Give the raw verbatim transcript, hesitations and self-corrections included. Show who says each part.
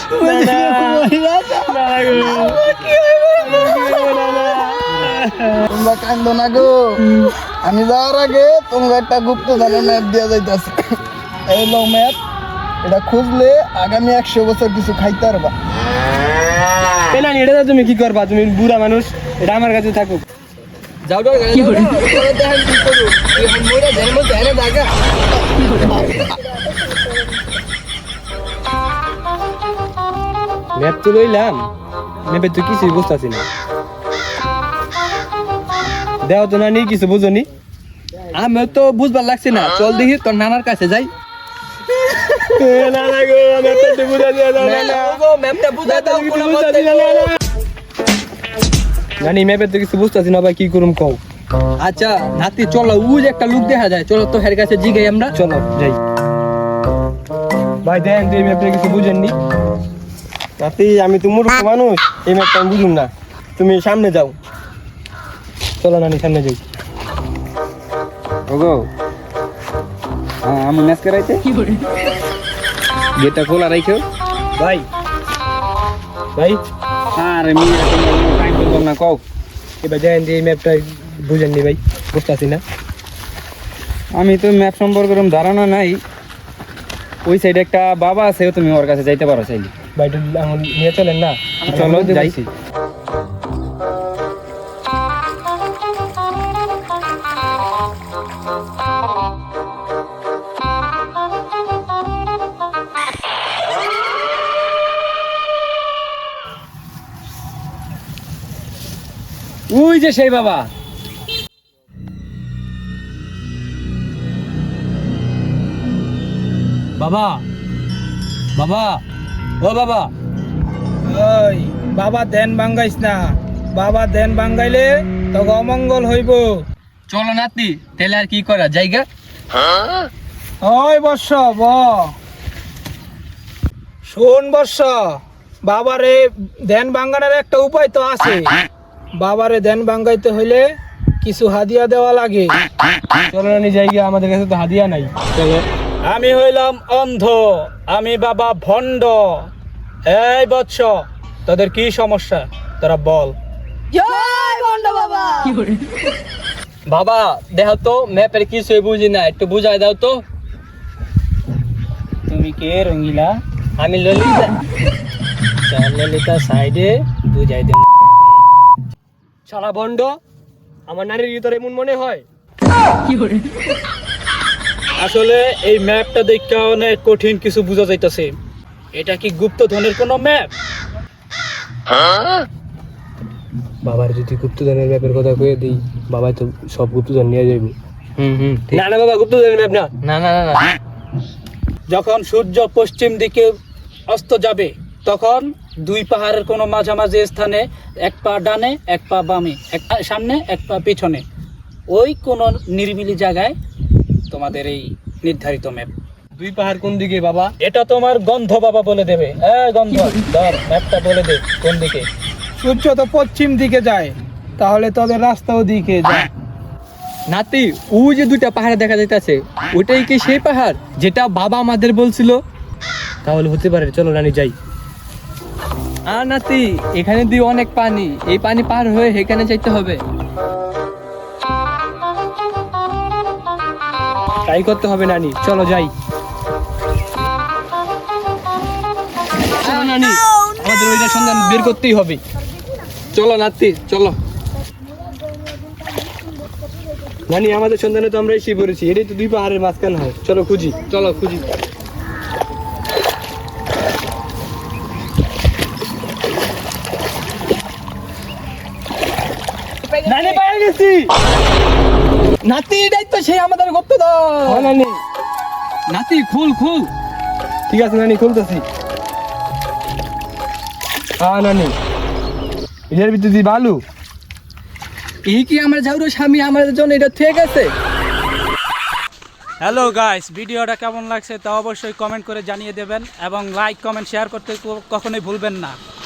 Speaker 1: তোমরা কান্দো না গো, আমি যাওয়ার আগে তোমরা একটা গুপ্ত ধনের ম্যাপ দেওয়া যাইতেছে। এই লো ম্যাপ, এটা খুঁজলে আগামী একশো বছর কিছু খাইতে পারবা।
Speaker 2: না এটা তুমি কি করবা, তুমি বুড়া মানুষ, এটা আমার কাছে থাকুক। যাও যাও কি করে দেখেন কি করব, এখন মোরা জেল মধ্যে এনে দাগা। ম্যাপ তো লইলাম, ম্যাপে তো কিছুই বুঝতেছি না। দেও তো না নি কিছু বুঝনি, আমি তো বুঝবার লাগছে না। চল দেখি তোর নানার কাছে যাই। নানা গো ম্যাপটা বুঝা দিয়া দাও না গো, ম্যাপটা বুঝা দাও কোন মতে না। জানি ম্যাপে তো কিছু বুঝতেছি না ভাই, কি করুম কও। আচ্ছা নাতি চলো, ওই যে একটা লোক দেখা যায়, চলো তো হের কাছে জিগাই আমরা। চলো যাই। ভাই দেন এই ম্যাপে কিছু বুঝেননি। নাতি আমি তো মূর্খ মানুষ, এই ম্যাপটা আমি বুঝুম না, তুমি সামনে যাও। চলো নানি সামনে যাই।
Speaker 3: ওগো হ্যাঁ আমি ম্যাচ করাইতে গেটটা খোলা রাখো
Speaker 2: ভাই ভাই
Speaker 3: আরে মিয়া তুমি টাইম বললাম না কও।
Speaker 2: এবার দেন এই ম্যাপটা বুঝেননি ভাই, বুঝতেছি না।
Speaker 3: আমি তো ম্যাপ সম্পর্কে এরকম ধারণা নাই। ওই সাইডে একটা বাবা আছে, তুমি ওর কাছে যাইতে পারো চাইলে।
Speaker 2: ভাই একটু এখন নিয়ে চলেন না।
Speaker 3: চলো যাইছি। ওই যে সেই বাবা।
Speaker 2: বাবা বাবা ও বাবা,
Speaker 4: ওই বাবা ধ্যান ভাঙ্গাইস না, বাবা ধ্যান ভাঙ্গাইলে তো অমঙ্গল হইব।
Speaker 2: চলো নাতি তাহলে আর কি করা জায়গা।
Speaker 4: ওই বর্ষ ব শোন বর্ষ, বাবারে ধ্যান ভাঙ্গানোর একটা উপায় তো আছে। বাবারে ধ্যান ভাঙ্গাইতে হইলে কিছু হাদিয়া দেওয়া লাগে।
Speaker 2: চলো নানি জায়গা, আমাদের কাছে তো হাদিয়া নাই। চলো।
Speaker 4: আমি হইলাম অন্ধ, আমি বাবা ভণ্ড। এই বৎস, তোদের কি সমস্যা তোরা বল।
Speaker 2: বাবা দেখো তো ম্যাপের কিছু বুঝি না, একটু বুঝাই দাও তো।
Speaker 4: তুমি কে রঙ্গিলা?
Speaker 2: আমি ললিতা। চল ললিতা সাইডে বুঝাই দে। সারা বন্ড, আমার নারীর ভিতরে এমন মনে হয়।
Speaker 4: আসলে এই ম্যাপটা দেখে অনেক কঠিন কিছু বোঝা যাইতেছে। এটা কি গুপ্তধনের কোনো ম্যাপ?
Speaker 2: বাবার যদি গুপ্তধনের ম্যাপের কথা কয়ে দিই, বাবা তো সব গুপ্তধন নিয়ে যাইব।
Speaker 3: হুম হুম
Speaker 2: না না বাবা, গুপ্তধনের ম্যাপ না।
Speaker 3: না না না না
Speaker 4: যখন সূর্য পশ্চিম দিকে অস্ত যাবে, তখন দুই পাহাড়ের কোনো মাঝামাঝি স্থানে এক পা ডানে এক পা বামে, এক পা সামনে এক পা পিছনে, ওই কোন নিরিবিলি জায়গায় তোমাদের এই নির্ধারিত ম্যাপ।
Speaker 2: দুই পাহাড় কোন দিকে বাবা?
Speaker 4: এটা তোমার গন্ধ বাবা বলে দেবে। এই গন্ধ ধর ম্যাপটা বলে দে কোন দিকে। সূর্য তো পশ্চিম দিকে যায়, তাহলে তোদের রাস্তা ওদিকে যায়।
Speaker 2: নাতি ওই যে দুইটা পাহাড় দেখা যাইতেছে, ওইটাই কি সেই পাহাড় যেটা বাবা আমাদের বলছিল? তাহলে হতে পারে, চলো রানী যাই। আর নাতি এখানে দিয়ে অনেক পানি, এই পানি পার হয়ে এখানে যাইতে হবে। ট্রাই করতে হবে নানি, চলো যাই। চলো নানি, আমাদের ওইটা সন্ধান বের করতেই হবে। চলো নাতি চলো। নানি আমাদের সন্ধানে তো আমরা এসে পড়েছি, এটাই তো দুই পাহাড়ের মাঝখান হয়। চলো খুঁজি, চলো খুঁজি। নানি পেয়ে গেছি। নাতি এটাই তো সেই আমাদের গুপ্তধন। নানি নাতি খুল খুল। ঠিক আছে নানি, খুলতেছি। হ্যাঁ নানি, এটার ভিতরে দি বালু। এই কি আমরা যাও রে স্বামী, আমাদের জন্য এটা ঠিক আছে।
Speaker 5: হ্যালো গাইস, ভিডিওটা কেমন লাগছে তা অবশ্যই কমেন্ট করে জানিয়ে দেবেন এবং লাইক কমেন্ট শেয়ার করতে কখনোই ভুলবেন না।